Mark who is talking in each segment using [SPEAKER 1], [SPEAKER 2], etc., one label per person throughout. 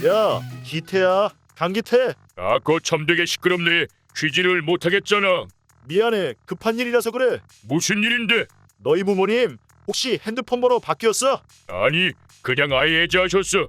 [SPEAKER 1] 야, 기태야. 강기태.
[SPEAKER 2] 아거 참되게 시끄럽네. 취지를 못하겠잖아.
[SPEAKER 1] 미안해. 급한 일이라서 그래.
[SPEAKER 2] 무슨 일인데?
[SPEAKER 1] 너희 부모님 혹시 핸드폰 번호 바뀌었어?
[SPEAKER 2] 아니 그냥 아예 해제하셨어.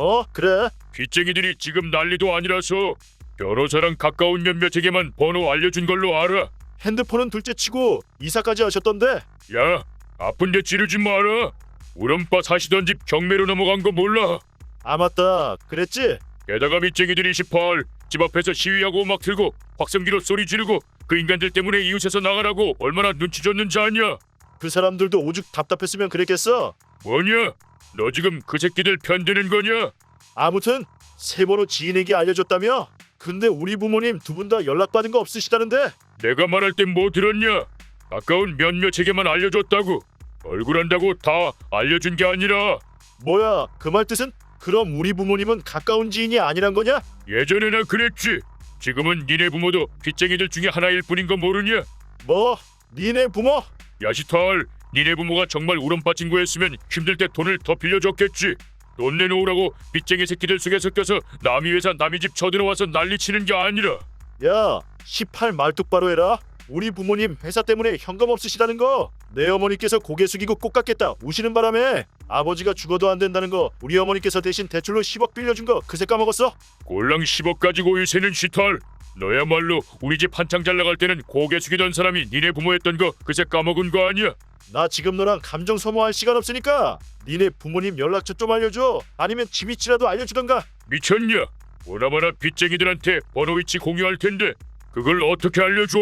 [SPEAKER 1] 그래.
[SPEAKER 2] 빚쟁이들이 지금 난리도 아니라서 변호사랑 가까운 몇몇에게만 번호 알려준 걸로 알아.
[SPEAKER 1] 핸드폰은 둘째치고 이사까지 하셨던데.
[SPEAKER 2] 야 아픈데 찌르지 마라. 우렁빠 사시던 집 경매로 넘어간 거 몰라?
[SPEAKER 1] 아 맞다. 그랬지?
[SPEAKER 2] 게다가 빚쟁이들이 18, 집 앞에서 시위하고 막 들고 확성기로 소리 지르고 그 인간들 때문에 이웃에서 나가라고 얼마나 눈치 줬는지 아냐?
[SPEAKER 1] 그 사람들도 오죽 답답했으면 그랬겠어.
[SPEAKER 2] 뭐냐? 너 지금 그 새끼들 편드는 거냐?
[SPEAKER 1] 아무튼 새 번호 지인에게 알려줬다며? 근데 우리 부모님 두 분 다 연락받은 거 없으시다는데?
[SPEAKER 2] 내가 말할 땐 뭐 들었냐? 가까운 몇몇에게만 알려줬다고. 얼굴 안다고 다 알려준 게 아니라.
[SPEAKER 1] 뭐야 그 말 뜻은? 그럼 우리 부모님은 가까운 지인이 아니란 거냐?
[SPEAKER 2] 예전에나 그랬지. 지금은 니네 부모도 빚쟁이들 중에 하나일 뿐인 거 모르냐?
[SPEAKER 1] 뭐? 니네 부모?
[SPEAKER 2] 야시탈, 니네 부모가 정말 우렁빠 친구였으면 힘들 때 돈을 더 빌려줬겠지. 돈 내놓으라고 빚쟁이 새끼들 속에 섞여서 남이 회사 남이 집 쳐들어와서 난리치는 게 아니라.
[SPEAKER 1] 야 18 말뚝바로 해라. 우리 부모님 회사 때문에 현금 없으시다는 거 내 어머니께서 고개 숙이고 꼭 갚겠다 우시는 바람에 아버지가 죽어도 안 된다는 거 우리 어머니께서 대신 대출로 10억 빌려준 거 그새 까먹었어?
[SPEAKER 2] 골랑 10억 가지고 일세는 시탈. 너야말로 우리 집 한창 잘 나갈 때는 고개 숙이던 사람이 니네 부모였던 거 그새 까먹은 거 아니야?
[SPEAKER 1] 나 지금 너랑 감정 소모할 시간 없으니까 니네 부모님 연락처 좀 알려줘. 아니면 지미치라도 알려주던가.
[SPEAKER 2] 미쳤냐? 보나마나 빚쟁이들한테 번호 위치 공유할 텐데 그걸 어떻게 알려줘?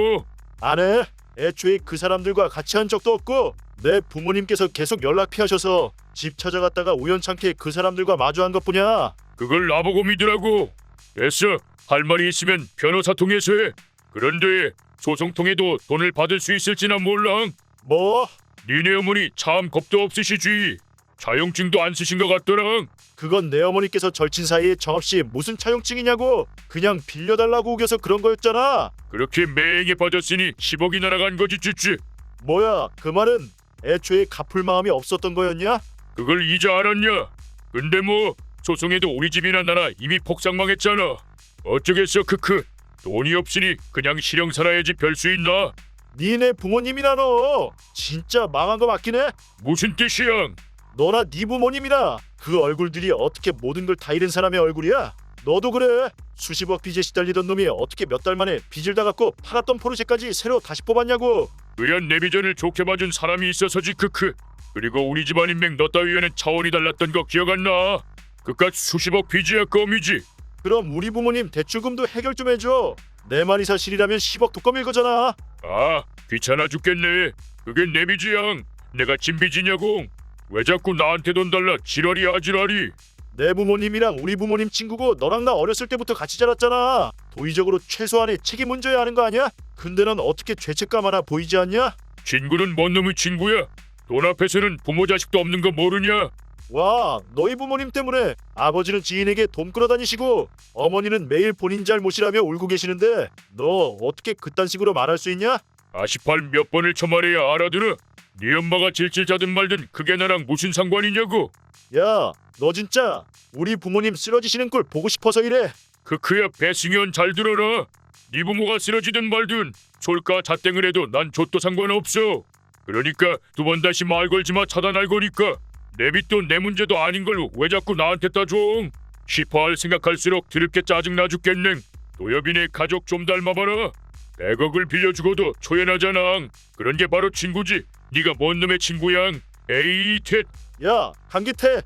[SPEAKER 1] 안 해. 애초에 그 사람들과 같이 한 적도 없고 내 부모님께서 계속 연락 피하셔서 집 찾아갔다가 우연찮게 그 사람들과 마주한 것뿐이야.
[SPEAKER 2] 그걸 나보고 믿으라고. 됐어. 할 말이 있으면 변호사 통해서 해. 그런데 소송 통해도 돈을 받을 수 있을지나 몰라.
[SPEAKER 1] 뭐?
[SPEAKER 2] 니네 어머니 참 겁도 없으시지. 차용증도 안 쓰신 것 같더라.
[SPEAKER 1] 그건 내 어머니께서 절친 사이에 정없이 무슨 차용증이냐고. 그냥 빌려달라고 우겨서 그런 거였잖아.
[SPEAKER 2] 그렇게 매행에 빠졌으니 10억이 날아간 거지 쭈쭈.
[SPEAKER 1] 뭐야 그 말은 애초에 갚을 마음이 없었던 거였냐?
[SPEAKER 2] 그걸 이제 알았냐? 근데 뭐 소송에도 우리 집이나 나나 이미 폭삭망했잖아. 어쩌겠어 크크. 돈이 없으니 그냥 실형 살아야지 별 수 있나?
[SPEAKER 1] 니네 부모님이나 너 진짜 망한 거 맞긴 해?
[SPEAKER 2] 무슨 뜻이야?
[SPEAKER 1] 너나 네 부모님이나 그 얼굴들이 어떻게 모든 걸 다 잃은 사람의 얼굴이야? 너도 그래. 수십억 빚에 시달리던 놈이 어떻게 몇 달 만에 빚을 다 갚고 팔았던 포르쉐까지 새로 다시 뽑았냐고.
[SPEAKER 2] 의한 내 비전을 좋게 봐준 사람이 있어서지 크크. 그리고 우리 집안 인맥 너 따위에는 차원이 달랐던 거 기억 안 나? 그깟 수십억 빚이야 껌이지.
[SPEAKER 1] 그럼 우리 부모님 대출금도 해결 좀 해줘. 내 말이 사실이라면 10억 독감일 거잖아.
[SPEAKER 2] 아 귀찮아 죽겠네. 그게 내 빚이야. 내가 진 빚이냐고. 왜 자꾸 나한테 돈 달라 지랄이야 지랄이.
[SPEAKER 1] 내 부모님이랑 우리 부모님 친구고 너랑 나 어렸을 때부터 같이 자랐잖아. 도의적으로 최소한의 책임 져야 하는 거 아니야? 근데 넌 어떻게 죄책감 하나 보이지 않냐?
[SPEAKER 2] 친구는 뭔 놈의 친구야? 돈 앞에서는 부모 자식도 없는 거 모르냐?
[SPEAKER 1] 와, 너희 부모님 때문에 아버지는 지인에게 돈 끌어다니시고 어머니는 매일 본인 잘못이라며 울고 계시는데 너 어떻게 그딴 식으로 말할 수 있냐?
[SPEAKER 2] 아시팔 몇 번을 쳐말해야 알아들어? 네 엄마가 질질 짜든 말든 그게 나랑 무슨 상관이냐고?
[SPEAKER 1] 야, 너 진짜 우리 부모님 쓰러지시는 꼴 보고 싶어서 이래.
[SPEAKER 2] 크크야 배승현 잘 들어라. 네 부모가 쓰러지든 말든 솔까 잣땡을 해도 난 좆도 상관없어. 그러니까 두 번 다시 말 걸지 마 차단할 거니까. 내 빚도 내 문제도 아닌 걸 왜 자꾸 나한테 따져? 시퍼할 생각할수록 드럽게 짜증나 죽겠네. 도여빈의 가족 좀 닮아봐라. 100억을 빌려주고도 초연하잖아. 그런 게 바로 친구지. 네가 뭔 놈의 친구야? 에이 텟.
[SPEAKER 1] 야, 강기태.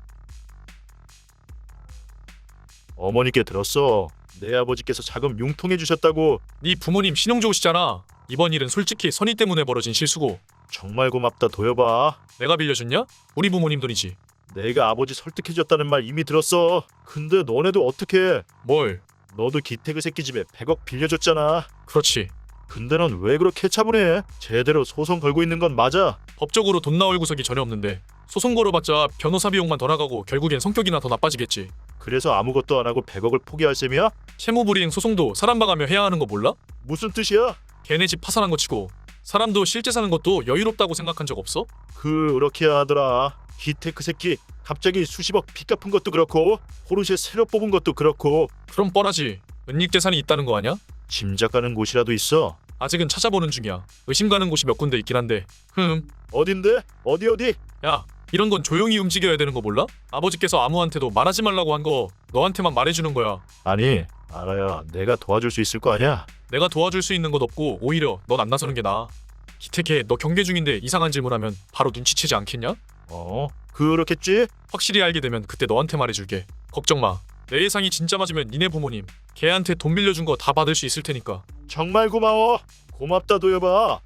[SPEAKER 1] 어머니께 들었어. 내 아버지께서 자금 융통해 주셨다고.
[SPEAKER 3] 네 부모님 신용 좋으시잖아. 이번 일은 솔직히 선의 때문에 벌어진 실수고
[SPEAKER 1] 정말 고맙다 도여봐.
[SPEAKER 3] 내가 빌려줬냐? 우리 부모님 돈이지.
[SPEAKER 1] 내가 아버지 설득해 줬다는 말 이미 들었어. 근데 너네도 어떻게?
[SPEAKER 3] 뭘?
[SPEAKER 1] 너도 기태그 새끼 집에 100억 빌려줬잖아.
[SPEAKER 3] 그렇지.
[SPEAKER 1] 근데 넌 왜 그렇게 차분해? 제대로 소송 걸고 있는 건 맞아.
[SPEAKER 3] 법적으로 돈 나올 구석이 전혀 없는데 소송 걸어봤자 변호사 비용만 더 나가고 결국엔 성격이나 더 나빠지겠지.
[SPEAKER 1] 그래서 아무것도 안 하고 100억을 포기할 셈이야?
[SPEAKER 3] 채무불이행 소송도 사람 봐가며 해야 하는 거 몰라?
[SPEAKER 1] 무슨 뜻이야?
[SPEAKER 3] 걔네 집 파산한 거 치고 사람도 실제 사는 것도 여유롭다고 생각한 적 없어?
[SPEAKER 1] 그렇게 하더라. 기태그 새끼 갑자기 수십억 빚 갚은 것도 그렇고 포르쉐 새로 뽑은 것도 그렇고.
[SPEAKER 3] 그럼 뻔하지. 은닉재산이 있다는 거 아냐?
[SPEAKER 1] 짐작가는 곳이라도 있어.
[SPEAKER 3] 아직은 찾아보는 중이야. 의심 가는 곳이 몇 군데 있긴 한데.
[SPEAKER 1] 어딘데? 어디?
[SPEAKER 3] 야, 이런 건 조용히 움직여야 되는 거 몰라? 아버지께서 아무한테도 말하지 말라고 한 거 너한테만 말해주는 거야.
[SPEAKER 1] 아니, 알아야 내가 도와줄 수 있을 거 아니야.
[SPEAKER 3] 내가 도와줄 수 있는 것 없고 오히려 넌 안 나서는 게 나아. 기태케, 너 경계 중인데 이상한 질문하면 바로 눈치채지 않겠냐?
[SPEAKER 1] 그렇겠지?
[SPEAKER 3] 확실히 알게 되면 그때 너한테 말해줄게. 걱정 마. 내 예상이 진짜 맞으면 니네 부모님 걔한테 돈 빌려준 거 다 받을 수 있을 테니까.
[SPEAKER 1] 정말 고마워. 고맙다 도여봐.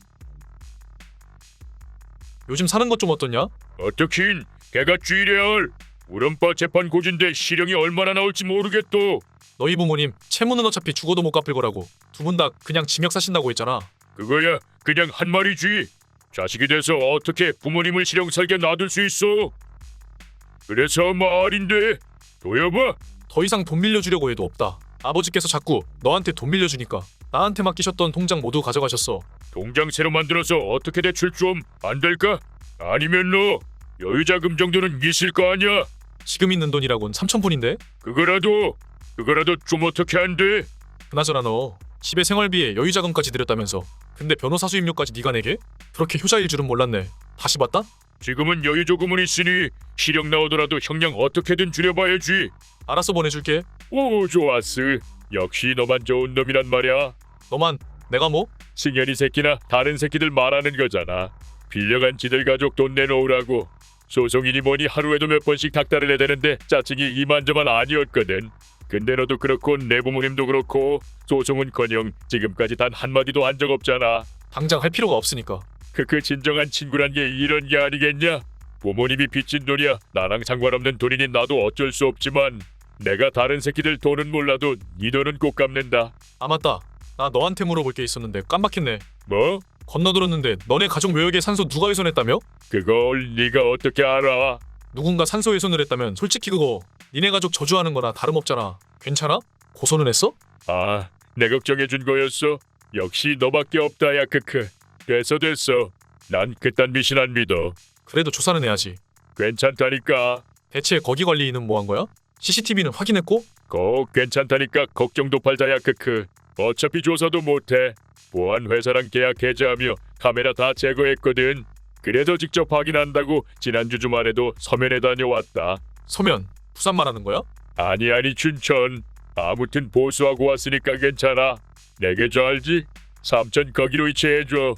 [SPEAKER 3] 요즘 사는 것 좀 어떻냐?
[SPEAKER 2] 어떻긴 걔가 쥐레알 우른빠 재판 고진데 실형이 얼마나 나올지 모르겠도.
[SPEAKER 3] 너희 부모님 채무는 어차피 죽어도 못 갚을 거라고. 두 분 다 그냥 징역 사신다고 했잖아.
[SPEAKER 2] 그거야 그냥 한 말이지. 자식이 돼서 어떻게 부모님을 실형 살게 놔둘 수 있어. 그래서 말인데 도여봐.
[SPEAKER 3] 더 이상 돈 빌려주려고 해도 없다. 아버지께서 자꾸 너한테 돈 빌려주니까 나한테 맡기셨던 통장 모두 가져가셨어.
[SPEAKER 2] 통장 새로 만들어서 어떻게 대출 좀 안 될까? 아니면 너 여유자금 정도는 있을 거 아니야.
[SPEAKER 3] 지금 있는 돈이라곤 3,000푼인데?
[SPEAKER 2] 그거라도 좀 어떻게 안 돼?
[SPEAKER 3] 그나저나 너 집에 생활비에 여유자금까지 들였다면서. 근데 변호사 수임료까지 네가 내게? 그렇게 효자일 줄은 몰랐네. 다시 봤다?
[SPEAKER 2] 지금은 여유 조금은 있으니 실형 나오더라도 형량 어떻게든 줄여봐야지.
[SPEAKER 3] 알았어, 보내줄게.
[SPEAKER 2] 오 좋았어. 역시 너만 좋은 놈이란 말이야.
[SPEAKER 3] 너만. 내가 뭐?
[SPEAKER 2] 승현이 새끼나 다른 새끼들 말하는 거잖아. 빌려간 지들 가족 돈 내놓으라고. 소송이니 뭐니 하루에도 몇 번씩 닥달을 해대는데 짜증이 이만저만 아니었거든. 근데 너도 그렇고 내 부모님도 그렇고 소송은커녕 지금까지 단 한마디도 한 적 없잖아.
[SPEAKER 3] 당장 할 필요가 없으니까.
[SPEAKER 2] 그 진정한 친구란 게 이런 게 아니겠냐? 부모님이 빚진 돈이야 나랑 상관없는 돈이니 나도 어쩔 수 없지만 내가 다른 새끼들 돈은 몰라도 네 돈은 꼭 갚는다.
[SPEAKER 3] 아 맞다. 나 너한테 물어볼 게 있었는데 깜빡했네.
[SPEAKER 2] 뭐?
[SPEAKER 3] 건너들었는데 너네 가족 묘역에 산소 누가 훼손했다며?
[SPEAKER 2] 그걸 네가 어떻게 알아?
[SPEAKER 3] 누군가 산소 훼손을 했다면 솔직히 그거 니네 가족 저주하는 거나 다름없잖아. 괜찮아? 고소는 했어?
[SPEAKER 2] 아, 내 걱정해준 거였어? 역시 너밖에 없다 야 크크. 됐어. 난 그딴 미신 안 믿어.
[SPEAKER 3] 그래도 조사는 해야지.
[SPEAKER 2] 괜찮다니까.
[SPEAKER 3] 대체 거기 관리인은 뭐 한 거야? CCTV는 확인했고?
[SPEAKER 2] 꼭 괜찮다니까 걱정도 팔자 야 크크. 어차피 조사도 못해. 보안 회사랑 계약 해제하며 카메라 다 제거했거든. 그래도 직접 확인한다고 지난주 주말에도 서면에 다녀왔다.
[SPEAKER 3] 서면, 부산 말하는 거야?
[SPEAKER 2] 아니 춘천. 아무튼 보수하고 왔으니까 괜찮아. 내 계좌 알지? 삼천 거기로 이체해줘.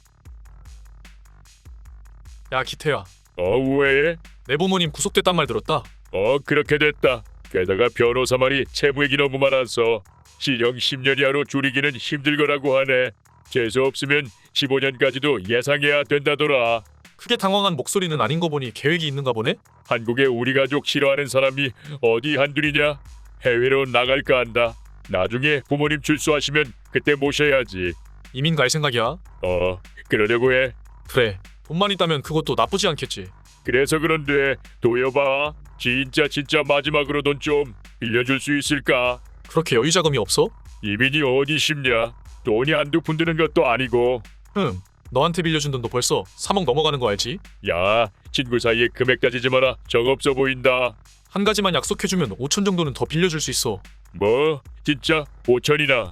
[SPEAKER 3] 야 기태야,
[SPEAKER 2] 왜?
[SPEAKER 3] 내 부모님 구속됐단 말 들었다.
[SPEAKER 2] 그렇게 됐다. 게다가 변호사 말이 채무액이 너무 많아서 실형 10년 이하로 줄이기는 힘들 거라고 하네. 재수 없으면 15년까지도 예상해야 된다더라.
[SPEAKER 3] 크게 당황한 목소리는 아닌 거 보니 계획이 있는가 보네?
[SPEAKER 2] 한국에 우리 가족 싫어하는 사람이 어디 한둘이냐? 해외로 나갈까 한다. 나중에 부모님 출소하시면 그때 모셔야지.
[SPEAKER 3] 이민 갈 생각이야?
[SPEAKER 2] 그러려고 해.
[SPEAKER 3] 그래, 돈만 있다면 그것도 나쁘지 않겠지.
[SPEAKER 2] 그래서 그런데 도여봐. 진짜 마지막으로 돈 좀 빌려줄 수 있을까?
[SPEAKER 3] 그렇게 여유자금이 없어?
[SPEAKER 2] 이민이 어디 쉽냐? 돈이 한두 푼 드는 것도 아니고.
[SPEAKER 3] 너한테 빌려준 돈도 벌써 3억 넘어가는 거 알지?
[SPEAKER 2] 야, 친구 사이에 금액 따지지 마라. 적없어 보인다.
[SPEAKER 3] 한 가지만 약속해주면 5천 정도는 더 빌려줄 수 있어.
[SPEAKER 2] 뭐? 진짜 5천이나?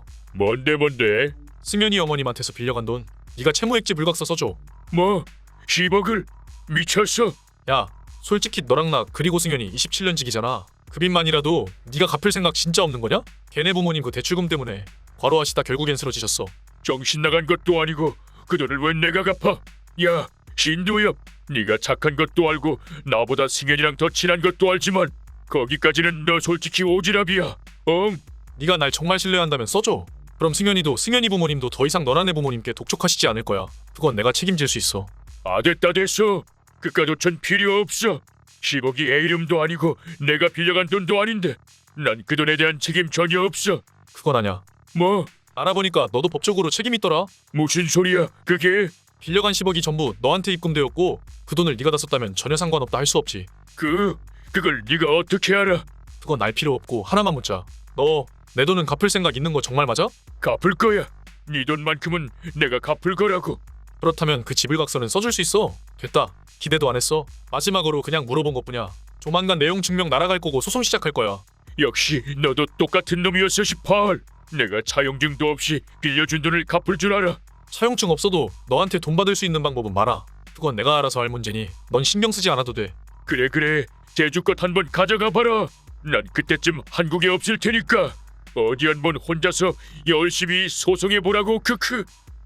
[SPEAKER 2] 뭔데?
[SPEAKER 3] 승현이 어머님한테서 빌려간 돈 네가 채무액지 불각서 써줘.
[SPEAKER 2] 뭐? 10억을? 미쳤어?
[SPEAKER 3] 야, 솔직히 너랑 나 그리고 승현이 27년직이잖아. 그 빚만이라도 네가 갚을 생각 진짜 없는 거냐? 걔네 부모님 그 대출금 때문에 과로하시다 결국엔 쓰러지셨어.
[SPEAKER 2] 정신 나간 것도 아니고 그 돈을 왜 내가 갚아? 야, 신도엽, 네가 착한 것도 알고 나보다 승현이랑 더 친한 것도 알지만 거기까지는 너 솔직히 오지랖이야.
[SPEAKER 3] 네가 날 정말 신뢰한다면 써줘. 그럼 승현이도 승현이 부모님도 더 이상 너네 부모님께 독촉하시지 않을 거야. 그건 내가 책임질 수 있어.
[SPEAKER 2] 됐어. 그깟 5천 필요 없어. 10억이 애 이름도 아니고 내가 빌려간 돈도 아닌데 난 그 돈에 대한 책임 전혀 없어.
[SPEAKER 3] 그건 아냐.
[SPEAKER 2] 뭐?
[SPEAKER 3] 알아보니까 너도 법적으로 책임 있더라.
[SPEAKER 2] 무슨 소리야 그게?
[SPEAKER 3] 빌려간 10억이 전부 너한테 입금되었고 그 돈을 네가 다 썼다면 전혀 상관없다 할 수 없지.
[SPEAKER 2] 그걸 네가 어떻게 알아?
[SPEAKER 3] 그건 알 필요 없고 하나만 묻자. 너 내 돈은 갚을 생각 있는 거 정말 맞아?
[SPEAKER 2] 갚을 거야. 네 돈만큼은 내가 갚을 거라고.
[SPEAKER 3] 그렇다면 그 지불각서는 써줄 수 있어. 됐다. 기대도 안 했어. 마지막으로 그냥 물어본 것뿐이야. 조만간 내용 증명 날아갈 거고 소송 시작할 거야.
[SPEAKER 2] 역시 너도 똑같은 놈이었어 18. 내가 차용증도 없이 빌려준 돈을 갚을 줄 알아.
[SPEAKER 3] 차용증 없어도 너한테 돈 받을 수 있는 방법은 많아. 그건 내가 알아서 할 문제니 넌 신경 쓰지 않아도 돼.
[SPEAKER 2] 그래 제주 것 한번 가져가 봐라. 난 그때쯤 한국에 없을 테니까 어디 한번 혼자서 열심히 소송해 보라고. 크크.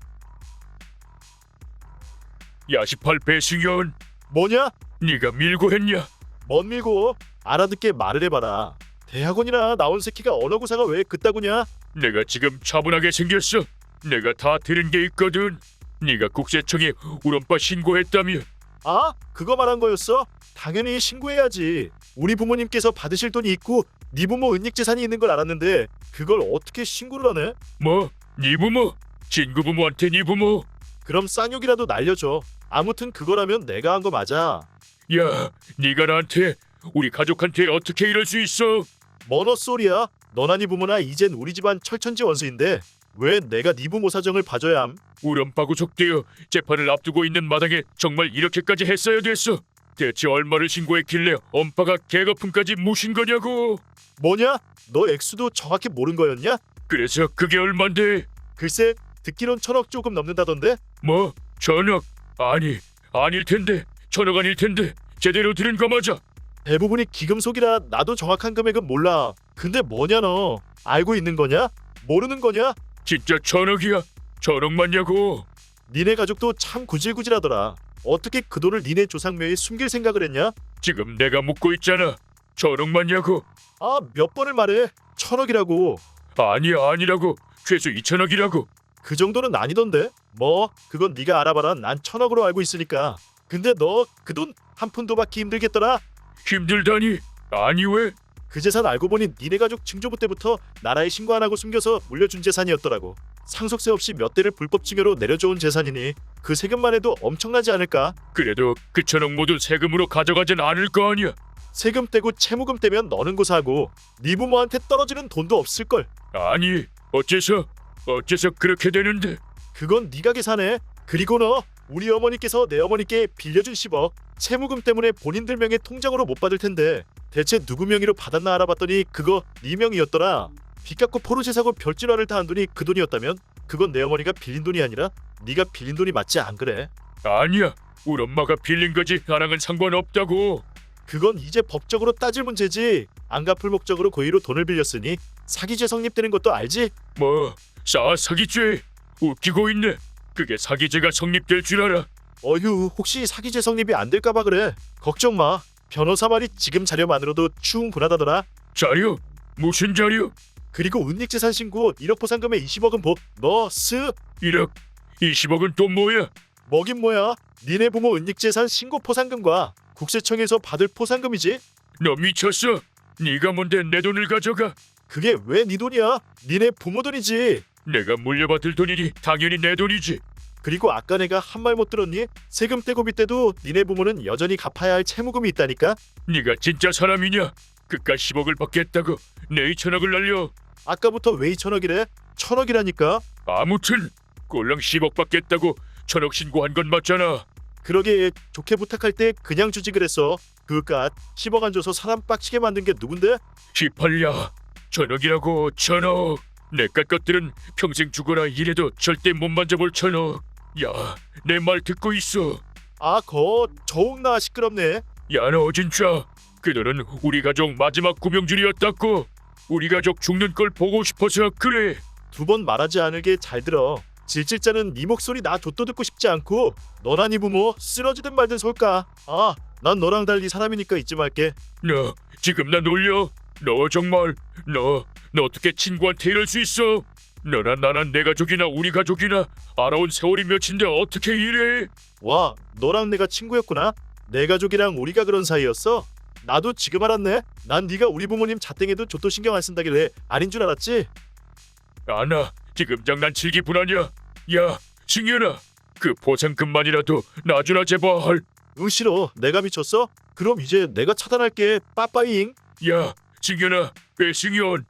[SPEAKER 2] 야 18 배승현,
[SPEAKER 1] 뭐냐?
[SPEAKER 2] 네가 밀고 했냐?
[SPEAKER 1] 뭔 밀고? 알아듣게 말을 해봐라. 대학원이나 나온 새끼가 언어구사가 왜 그따구냐?
[SPEAKER 2] 내가 지금 차분하게 생겼어. 내가 다 들은 게 있거든. 네가 국세청에 우렁빠 신고했다며.
[SPEAKER 1] 아? 그거 말한 거였어? 당연히 신고해야지. 우리 부모님께서 받으실 돈이 있고 네 부모 은닉재산이 있는 걸 알았는데 그걸 어떻게 신고를 하네?
[SPEAKER 2] 뭐? 네 부모? 친구 부모한테 네 부모?
[SPEAKER 1] 그럼 쌍욕이라도 날려줘. 아무튼 그거라면 내가 한 거 맞아.
[SPEAKER 2] 야, 네가 나한테 우리 가족한테 어떻게 이럴 수 있어?
[SPEAKER 1] 뭔 헛소리야? 너나 네 부모나 이젠 우리 집안 철천지 원수인데 왜 내가 네 부모 사정을 봐줘야 함?
[SPEAKER 2] 우렁빠고 속되어 재판을 앞두고 있는 마당에 정말 이렇게까지 했어야 됐어. 대체 얼마를 신고했길래 엄빠가 개거품까지 무신 거냐고.
[SPEAKER 1] 뭐냐? 너 액수도 정확히 모른 거였냐?
[SPEAKER 2] 그래서 그게 얼만데?
[SPEAKER 1] 글쎄 듣기론 1,000억 조금 넘는다던데?
[SPEAKER 2] 뭐? 전억? 아니, 아닐 텐데. 전억 아닐 텐데. 제대로 들은 거 맞아.
[SPEAKER 1] 대부분이 기금속이라 나도 정확한 금액은 몰라. 근데 뭐냐 너? 알고 있는 거냐? 모르는 거냐?
[SPEAKER 2] 진짜 전억이야. 전억 맞냐고.
[SPEAKER 1] 니네 가족도 참 구질구질하더라. 어떻게 그 돈을 니네 조상묘에 숨길 생각을 했냐?
[SPEAKER 2] 지금 내가 묻고 있잖아. 전억 맞냐고.
[SPEAKER 1] 아, 몇 번을 말해. 1,000억이라고.
[SPEAKER 2] 아니야, 아니라고. 최소 2천억이라고.
[SPEAKER 1] 그 정도는 아니던데? 뭐 그건 네가 알아봐라. 난 1,000억으로 알고 있으니까. 근데 너 그 돈 한 푼도 받기 힘들겠더라?
[SPEAKER 2] 힘들다니? 아니 왜?
[SPEAKER 1] 그 재산 알고 보니 니네 가족 증조부 때부터 나라에 신고 안 하고 숨겨서 물려준 재산이었더라고. 상속세 없이 몇 대를 불법 증여로 내려줘온 재산이니 그 세금만 해도 엄청나지 않을까?
[SPEAKER 2] 그래도 그 천억 모두 세금으로 가져가진 않을 거 아니야.
[SPEAKER 1] 세금 떼고 채무금 떼면 너는 고사하고 네 부모한테 떨어지는 돈도 없을걸.
[SPEAKER 2] 아니, 어째서 그렇게 되는데?
[SPEAKER 1] 그건 네가 계산해. 그리고 너 우리 어머니께서 내 어머니께 빌려준 10억 채무금 때문에 본인들 명의 통장으로 못 받을 텐데 대체 누구 명의로 받았나 알아봤더니 그거 네 명이었더라. 빚 갚고 포르쉐 사고 별진화를 다 한 돈이 그 돈이었다면 그건 내 어머니가 빌린 돈이 아니라 네가 빌린 돈이 맞지 안 그래?
[SPEAKER 2] 아니야. 우리 엄마가 빌린 거지 나랑은 상관없다고.
[SPEAKER 1] 그건 이제 법적으로 따질 문제지. 안 갚을 목적으로 고의로 돈을 빌렸으니 사기죄 성립되는 것도 알지?
[SPEAKER 2] 뭐, 사기죄. 웃기고 있네. 그게 사기죄가 성립될 줄 알아.
[SPEAKER 1] 어휴, 혹시 사기죄 성립이 안 될까봐 그래. 걱정 마. 변호사 말이 지금 자료만으로도 충분하다더라.
[SPEAKER 2] 자료? 무슨 자료?
[SPEAKER 1] 그리고 은닉재산 신고 1억 포상금에 20억은 너
[SPEAKER 2] 1억, 20억은 또 뭐야?
[SPEAKER 1] 뭐긴 뭐야. 니네 부모 은닉재산 신고 포상금과 국세청에서 받을 포상금이지.
[SPEAKER 2] 너 미쳤어? 네가 뭔데 내 돈을 가져가?
[SPEAKER 1] 그게 왜 네 돈이야? 니네 부모 돈이지.
[SPEAKER 2] 내가 물려받을 돈이니 당연히 내 돈이지.
[SPEAKER 1] 그리고 아까 내가 한 말 못 들었니? 세금 떼고 빚 떼도 니네 부모는 여전히 갚아야 할 채무금이 있다니까.
[SPEAKER 2] 네가 진짜 사람이냐? 그깟 10억을 받겠다고 내 2천억을 날려.
[SPEAKER 1] 아까부터 왜 2천억이래? 1,000억이라니까.
[SPEAKER 2] 아무튼 꼴랑 10억 받겠다고 1,000억 신고한 건 맞잖아.
[SPEAKER 1] 그러게 좋게 부탁할 때 그냥 주지 그랬어. 그깟 10억 안 줘서 사람 빡치게 만든 게 누군데?
[SPEAKER 2] 18야. 1,000억이라고 1,000억. 내깟 것들은 평생 죽어라 이래도 절대 못 만져볼 1,000억. 야, 내 말 듣고 있어.
[SPEAKER 1] 아, 저옥나 시끄럽네.
[SPEAKER 2] 야, 너 진짜 그 돈은 우리 가족 마지막 구명줄이었다고. 우리 가족 죽는 걸 보고 싶어서 그래.
[SPEAKER 1] 2번 말하지 않을게 잘 들어. 질질자는 네 목소리 나 좆도 듣고 싶지 않고 너나 네 부모 쓰러지든 말든 솔까. 아, 난 너랑 달리 사람이니까 잊지 말게.
[SPEAKER 2] 너 지금 나 놀려? 너 정말 너 어떻게 친구한테 이럴 수 있어? 너나 나나 내 가족이나 우리 가족이나 알아온 세월이 몇인데 어떻게 이래?
[SPEAKER 1] 와, 너랑 내가 친구였구나. 내 가족이랑 우리가 그런 사이였어? 나도 지금 알았네. 난 네가 우리 부모님 자땡에도 좆도 신경 안 쓴다길래 아닌 줄 알았지.
[SPEAKER 2] 아나 지금 장난치기 분하냐? 야, 승현아, 그 보상금만이라도 놔주나 제발.
[SPEAKER 1] 응, 싫어. 내가 미쳤어? 그럼 이제 내가 차단할게. 빠빠잉.
[SPEAKER 2] 야, 승현아, 배승현.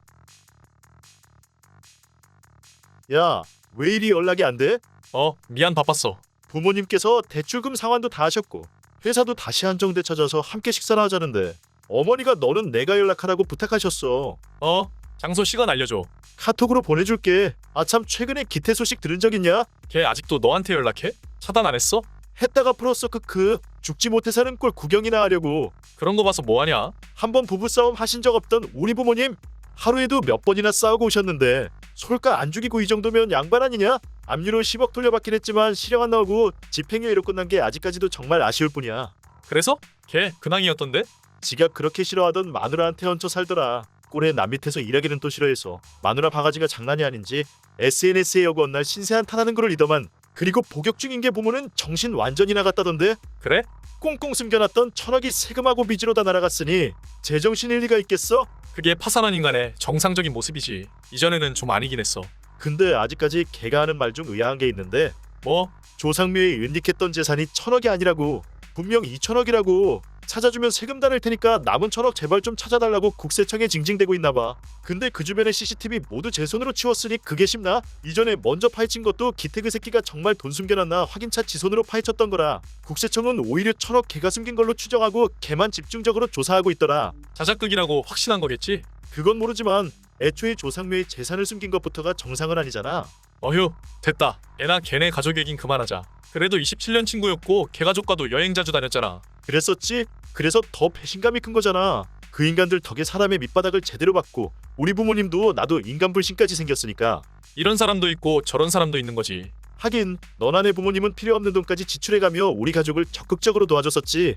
[SPEAKER 1] 야, 왜 이리 연락이 안 돼?
[SPEAKER 3] 미안 바빴어.
[SPEAKER 1] 부모님께서 대출금 상환도 다 하셨고 회사도 다시 한정돼 찾아서 함께 식사나 하자는데 어머니가 너는 내가 연락하라고 부탁하셨어.
[SPEAKER 3] 장소 시간 알려줘.
[SPEAKER 1] 카톡으로 보내줄게. 아참 최근에 기태 소식 들은 적 있냐?
[SPEAKER 3] 걔 아직도 너한테 연락해? 차단 안 했어?
[SPEAKER 1] 했다가 풀었어. 크크. 죽지 못해 사는 꼴 구경이나 하려고.
[SPEAKER 3] 그런 거 봐서 뭐하냐?
[SPEAKER 1] 한번 부부싸움 하신 적 없던 우리 부모님 하루에도 몇 번이나 싸우고 오셨는데 솔까 안 죽이고 이 정도면 양반 아니냐? 압류로 10억 돌려받긴 했지만 실형 안 나오고 집행유예로 끝난 게 아직까지도 정말 아쉬울 뿐이야.
[SPEAKER 3] 그래서? 걔 근황이었던데?
[SPEAKER 1] 지가 그렇게 싫어하던 마누라한테 얹혀 살더라. 꼴에 남 밑에서 일하기는 또 싫어해서 마누라 바가지가 장난이 아닌지 SNS에 여고 날 신세한 탄하는 거를 리더만. 그리고 복역 중인 게 보면은 정신 완전히 나갔다던데.
[SPEAKER 3] 그래?
[SPEAKER 1] 꽁꽁 숨겨놨던 1,000억이 세금하고 빚으로 다 날아갔으니 제정신일 리가 있겠어?
[SPEAKER 3] 그게 파산한 인간의 정상적인 모습이지. 이전에는 좀 아니긴 했어.
[SPEAKER 1] 근데 아직까지 걔가 하는 말 중 의아한 게 있는데
[SPEAKER 3] 뭐?
[SPEAKER 1] 조상묘에 은닉했던 재산이 1,000억이 아니라고. 분명 2,000억이라고. 찾아주면 세금 다 낼 테니까 남은 1,000억 제발 좀 찾아달라고 국세청에 징징대고 있나봐. 근데 그 주변의 CCTV 모두 제 손으로 치웠으니 그게 쉽나? 이전에 먼저 파헤친 것도 기태그 새끼가 정말 돈 숨겨놨나 확인차 지 손으로 파헤쳤던 거라. 국세청은 오히려 1,000억 걔가 숨긴 걸로 추정하고 걔만 집중적으로 조사하고 있더라.
[SPEAKER 3] 자작극이라고 확신한 거겠지?
[SPEAKER 1] 그건 모르지만 애초에 조상묘에 재산을 숨긴 것부터가 정상은 아니잖아.
[SPEAKER 3] 어휴, 됐다. 애나 걔네 가족 얘긴 그만하자. 그래도 27년 친구였고 걔 가족과도 여행 자주 다녔잖아.
[SPEAKER 1] 그랬었지? 그래서 더 배신감이 큰 거잖아. 그 인간들 덕에 사람의 밑바닥을 제대로 받고 우리 부모님도 나도 인간 불신까지 생겼으니까.
[SPEAKER 3] 이런 사람도 있고 저런 사람도 있는 거지.
[SPEAKER 1] 하긴 너나 내 부모님은 필요 없는 돈까지 지출해가며 우리 가족을 적극적으로 도와줬었지.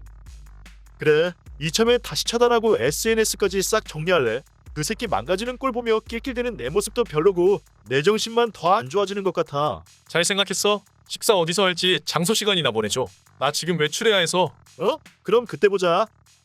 [SPEAKER 1] 그래, 이참에 다시 차단하고 SNS까지 싹 정리할래. 그 새끼 망가지는 꼴 보며 낄낄대는 내 모습도 별로고 내 정신만 더 안 좋아지는 것 같아.
[SPEAKER 3] 잘 생각했어? 식사 어디서 할지 장소 시간이나 보내줘. 나 지금 외출해야 해서.
[SPEAKER 1] 그럼 그때 보자.